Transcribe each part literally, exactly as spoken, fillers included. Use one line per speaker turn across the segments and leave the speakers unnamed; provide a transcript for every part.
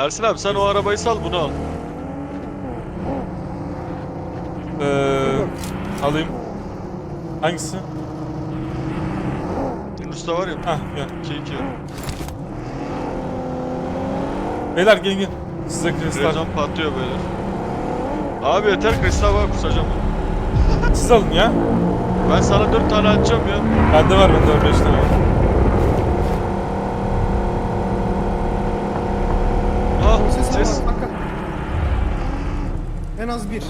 Ersin abi sen o arabayı sal, bunu al.
Ee, alayım. Hangisi?
Yunus'ta var ya.
Hah gel.
iki iki.
Beyler gelin gelin. Size kristal.
Rezon patlıyor böyle. Abi yeter, kristal var, kusacağım.
Siz alın ya.
Ben sana dört tane atacağım ya.
Bende var bende var beş tane var.
Ha
Ses,
ses.
ses. Var, bak, bak. En az bir.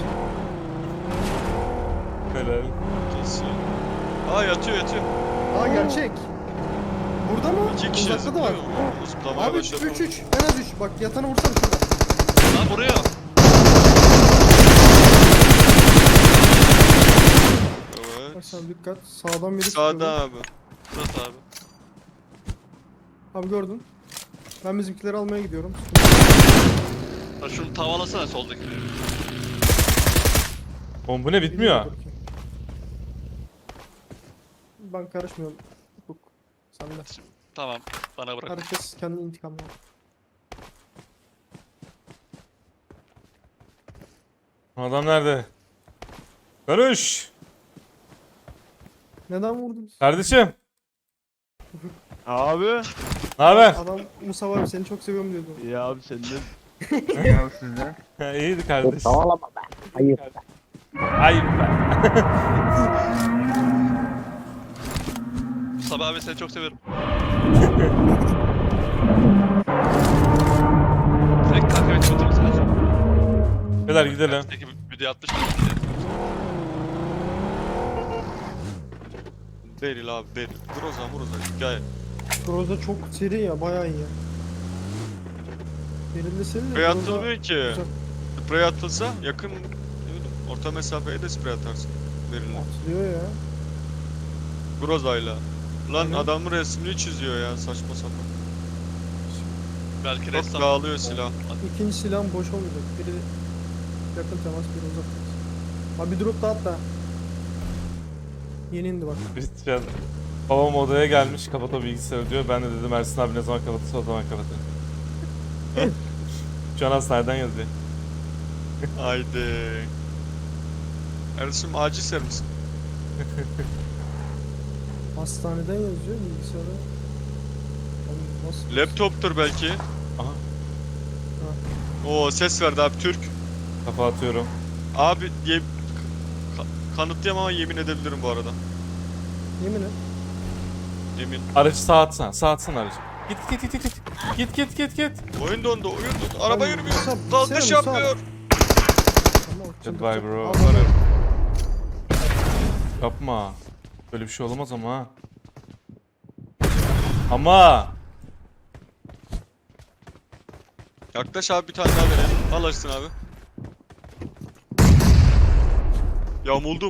Helal.
Kesin. Aa yatıyor yatıyor.
Aa gerçek. Burada mı?
İki kişi
Uzakta da var.
zıplıyor. Zıplamaya
Abi üç
başladı.
üç üç. En az üç. Bak yatanı vursana şurada.
Lan buraya.
Evet.
Bak sen dikkat. Sağdan biri
Sağda
çıkıyor.
abi.
Burası abi.
Abi gördün. Ben bizimkileri almaya gidiyorum.
Ha, şunu tavalasana soldaki.
Oğlum bu ne bitmiyor.
Ben karışmıyorum. Hukuk. Sen de.
Tamam. Bana bırak.
Herkes kendi intikamını al.
Adam nerede? Barış.
Neden vurdunuz?
Kardeşim.
Abi.
Ne haber?
Adam Musa abi seni çok seviyorum diyordu.
Ya abi sen de.
Ya sizden.
Ha, iyiydi kardeş.
Savalama be. Ayıp.
Ayıp be.
Mustafa abi seni çok severim. Direkt kanka beni götürür müsün?
Beyler gidelim.
Peki video atmış mı?
Beril abi Beril. Groza Groza hikaye.
Groza çok seri ya, bayağı iyi ya. Belirli seri de
Sprey
Groza-
atılmıyor ki.
Güzel.
Sprey atılsa yakın, ne bileyim, orta mesafeye de sprey atarsın. Beril'le.
Atılıyor ya.
Groza'yla. Lan
Aynen.
adamın resmini çiziyor ya, saçma sapan.
Belki
Çok
ressam.
dağılıyor silah.
İkinci silahım boş olmayacak. Biri yakın temas, biri uzak temas. Abi bir drop daha at da. Yeni indi bak.
Christian. Babam odaya gelmiş, kapat o bilgisayarı diyor. Ben de dedim Ersin abi ne zaman kapatırsa o zaman kapatın. Şu an hastaneden yazıyor.
Haydi. Ersin acil servis.
Hastaneden yazıyor bilgisayarda. Abi nasıl?
Laptoptur belki.
Aha.
Oo ses verdi abi, Türk.
Kafa atıyorum.
Abi ye... Ka- kanıtlayamam ama yemin edebilirim bu arada.
Yemin et.
Yemin.
Aracı sağa atsana. Sağa atsana aracı. Git git git git git. Git git git git.
Oyun dondu, oyun dondu. Araba
Abi,
yürümüyor.
Musab,
Kalkış
bilgisayar Musab.
yapmıyor.
Tamam,
Goodbye
çıldıracak.
bro.
Al bunu.
Yapma. Böyle bir şey olamaz ama ha. Ama.
Yaklaş abi, bir tane daha verelim. Al açsın abi. Yamuldum.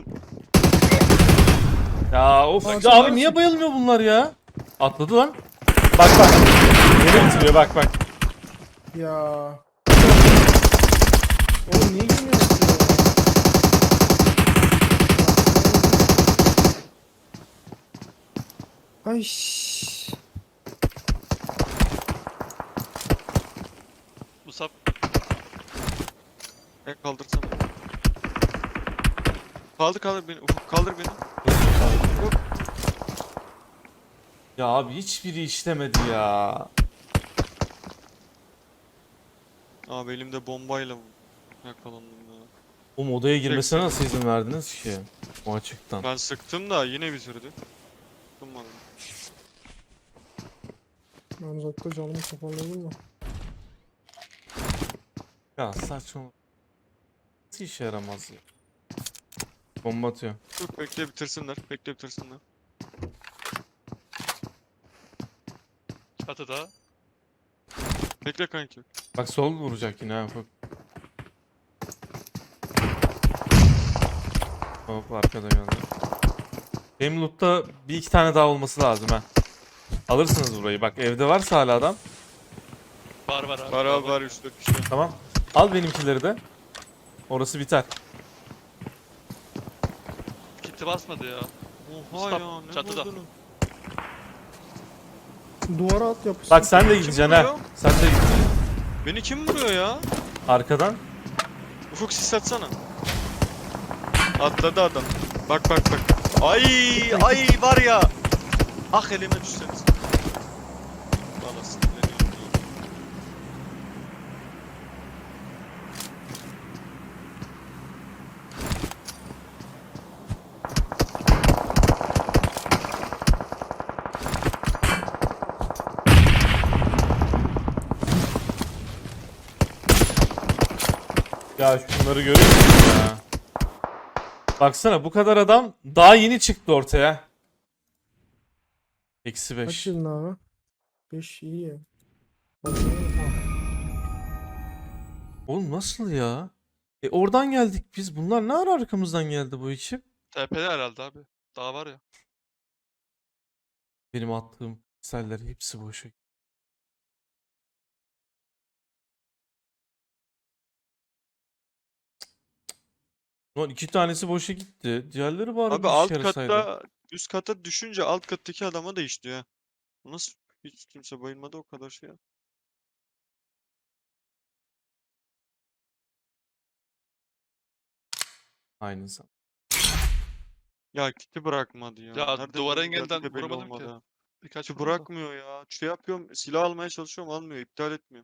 Ya of.
Aa,
Ya
sen
abi
varsın.
niye bayılmıyor bunlar ya? Atladı lan. Bak bak. Yeni bitiriyor bak bak.
Ya. Oğlum niye girmiyorsun ya? Ay. şşş.
Musab.
Ben kaldırsam. Kaldır kaldır beni. Ufuk kaldır beni.
Ya abi hiçbiri işlemedi ya.
Abi elimde bombayla yakalandım ya.
O odaya girmesine nasıl izin verdiniz ki? O açıktan.
Ben sıktım da yine bitirdi. Sıkmadım.
Ben uzakta canımı toparladım da.
Ya saçma. Nasıl işe yaramaz ya? Bomba atıyor.
Dur bekle bitirsinler. Bekle bitirsinler.
Çatıda.
Bekle kanki.
Bak sol vuracak yine ha. Bak. Hop arkada geldi. Benim loot'ta bir iki tane daha olması lazım ha. Alırsınız burayı. Bak evde varsa hala adam.
Var var abi.
Var abi var, üç dört kişi.
Tamam. Al benimkileri de. Orası biter.
Kiti basmadı ya.
Oha
Stop,
ya, ne
çatıda.
buldun?
Duvara at yapışsın.
Bak sen de
Kim
gideceksin
vuruyor?
ha. Sen de gideceksin.
Beni kim vuruyor ya?
Arkadan.
Ufuk sis atsana. Atladı adam. Bak bak bak. Ay ay var ya. Ah elime düşseniz. Valla sinirleniyorum ya.
Ya şunları görüyor musun ya? Baksana bu kadar adam daha yeni çıktı ortaya. Eksi
Kaç
beş.
yılın abi? beş iyi ya.
Oğlum nasıl ya? E oradan geldik biz. Bunlar ne ara arkamızdan geldi bu ekip?
Tepede herhalde abi. Daha var ya.
Benim attığım seller hepsi boşa. Lan iki tanesi boşa gitti. Diğerleri bari
Abi
bir işe
alt
yarasaydı.
katta üst kata düşünce alt kattaki adama da işliyor ya. Bu nasıl hiç kimse bayılmadı o kadar şey ya.
Aynı zaman.
Ya kiti bırakmadı ya.
Ya
Nerede
duvara
vurduğu geldiği
engelden
de belli
vuramadım
olmadı
ki.
ha.
Birkaç
Kiti
vurdum da.
bırakmıyor ya. Şey yapıyorum silah almaya çalışıyorum almıyor iptal etmiyor.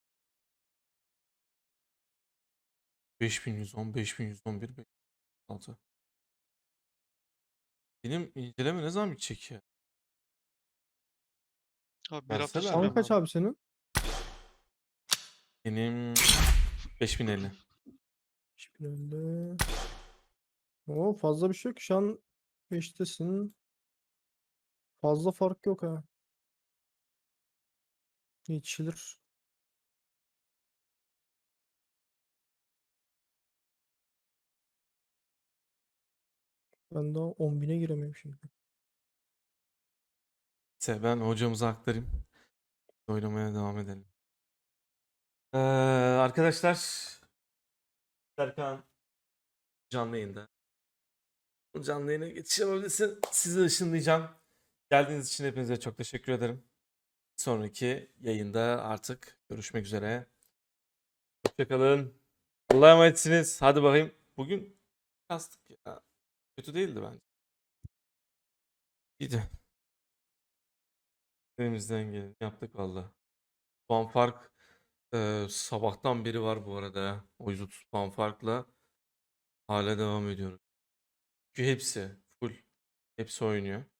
beş bin yüz on, beş bin yüz on bir, beş bin yüz altı. Benim inceleme ne zaman bitecek ya?
Abi bir hafta
Verseler
sonra.
mi?
Puan kaç abi senin?
Benim beş bin elli.
beş bin elli. Oo fazla bir şey yok. Şu an beştesin. Fazla fark yok ha. Yetişilir. Ben daha on bine giremiyorum şimdi.
Neyse ben hocamıza aktarayım. Oynamaya devam edelim. Ee, arkadaşlar Serkan canlı yayında. Canlı yayına geçiş yapabilirsin. Sizi ışınlayacağım. Geldiğiniz için hepinize çok teşekkür ederim. Sonraki yayında artık görüşmek üzere. Hoşçakalın. Allah'a emanetsiniz. Hadi bakayım. Bugün kastık ya. Kötü değildi bence. İyiydi. Elimizden geleni yaptık valla. Puan fark e, sabahtan beri var bu arada ya. O yüz otuz puan farkla hala devam ediyoruz. Çünkü hepsi full. Hepsi oynuyor.